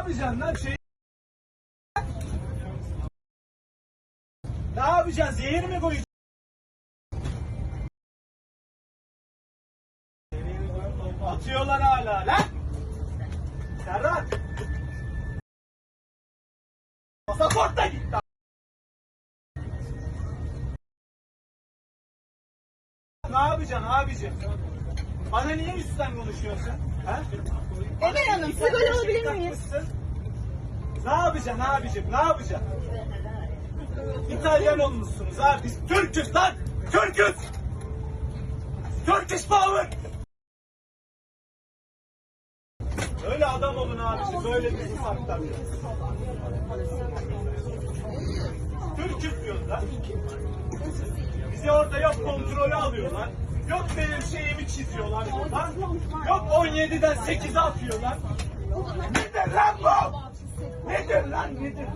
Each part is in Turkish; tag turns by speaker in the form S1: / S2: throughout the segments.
S1: yapacaksın lan şey? Ne yapacaksın? Zehir mi koyacaksın? Atıyorlar hala lan. Serhat. Pasaport da gitti. Ne yapacaksın abicim? Bana niye üstten konuşuyorsun? Ha?
S2: Emel Hanım, siz böyle olabilir miyiz?
S1: Ne yapacaksın abicim? Ne yapacaksın? İtalyan olmuşsunuz abi. Biz Türk'üz lan. Türk'üz. Turkish power. Öyle adam olun abicim. Böyle bir ufaktan. Türk'üz diyoruz lan. Bizi orada yok kontrolü alıyorlar. Yok benim şeyimi çiziyorlar buradan. Yok 17'den 8'e atıyorlar. Nedir lan bu? Nedir lan nedir?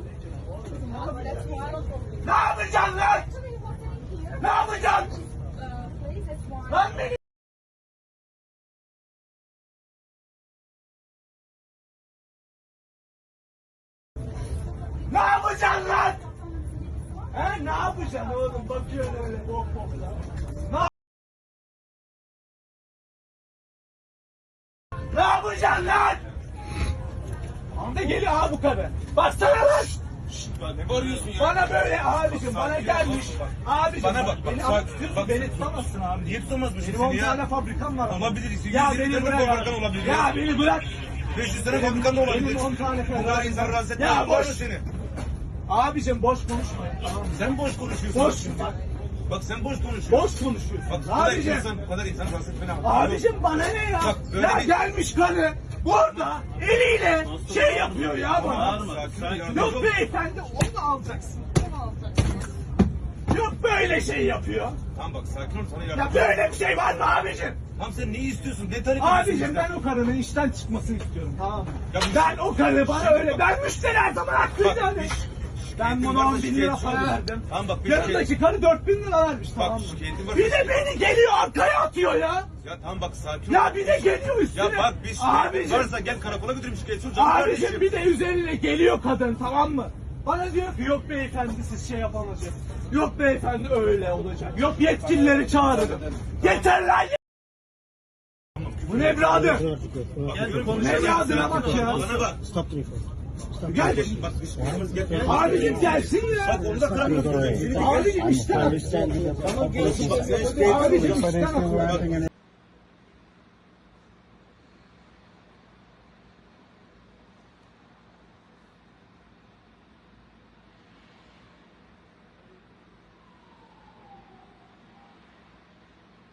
S1: Ne yapacaksın lan? Ne yapacaksın? Lan beni... Ne yapacaksın lan? He ne yapacaksın oğlum? Bakıyorsun öyle bok bokla. Ne yapacaksın lan? Anda geliyor ha bu kadın. Baksana lan.
S3: Ne bağırıyorsun ya?
S1: Bana böyle abicim bana gelmiş. Abicim
S3: Bana bak,
S1: beni
S3: bak, bak.
S1: beni tutamazsın abi.
S3: Niye tutamazmışsın
S1: Benim 10
S3: seni ya?
S1: tane fabrikam var.
S3: Olabilir.
S1: Ya
S3: 150
S1: beni
S3: tane
S1: bırak.
S3: fabrikan olabilir.
S1: Ya beni bırak.
S3: 500 tane fabrikan da olabilir.
S1: Benim 10 tane
S3: Bu kadar insan rahatsız etme.
S1: Ya boş.
S3: Seni.
S1: Abicim boş konuşmayın. Tamam mı?
S3: Sen boş konuşuyorsun.
S1: Boş bak.
S3: Bak sen boş konuşuyorsun.
S1: Boş konuşuyorsun.
S3: Bak
S1: Abicim.
S3: bu kadar insan rahatsız etme.
S1: Abicim bana ne ya?
S3: Bak, böyle
S1: Ya
S3: bir-
S1: gelmiş karı burada eliyle şey yapıyor ya bana.
S3: Sakin ol.
S1: Yok beyefendi onu alacaksın. Onu alacaksın. Yok böyle şey yapıyor.
S3: Tamam bak sakin ol sana
S1: Ya
S3: yardım.
S1: böyle bir şey var mı abicim?
S3: Tamam sen neyi istiyorsun? Ne tarif
S1: Abicim ben o karının işten çıkmasını istiyorum tamam mı?
S3: Ya bu-
S1: Ben o karı bana öyle ben müşteri her zaman haklıyım
S3: Bak,
S1: yani. Ben buna 10 bin lira para verdim.
S3: Tamam bak bir
S1: Yanındaki karı 4 bin lira vermiş tamam mı?
S3: şikayetim var.
S1: Bir de beni geliyor arkaya atıyor ya.
S3: Ya tamam bak sakin ol.
S1: Ya bir de geliyor üstüne.
S3: Ya bak biz
S1: Abicim.
S3: varsa gel karakola götürüm şikayetçi olacağım
S1: Abicim
S3: kardeşim.
S1: bir de üzerine geliyor kadın tamam mı? Bana diyor ki yok beyefendi siz şey yapamayacaksınız. Yok beyefendi öyle olacak. Yok yetkilileri çağırırım. Yeter lan ye- Bu ne birader? Ne birader bak ya.
S3: Bana bak.
S1: Gel.
S3: Bak gel.
S1: Abicim gelsin ya.
S3: Bak onu da karakola götürüm.
S1: Abicim işten. Abicim işten.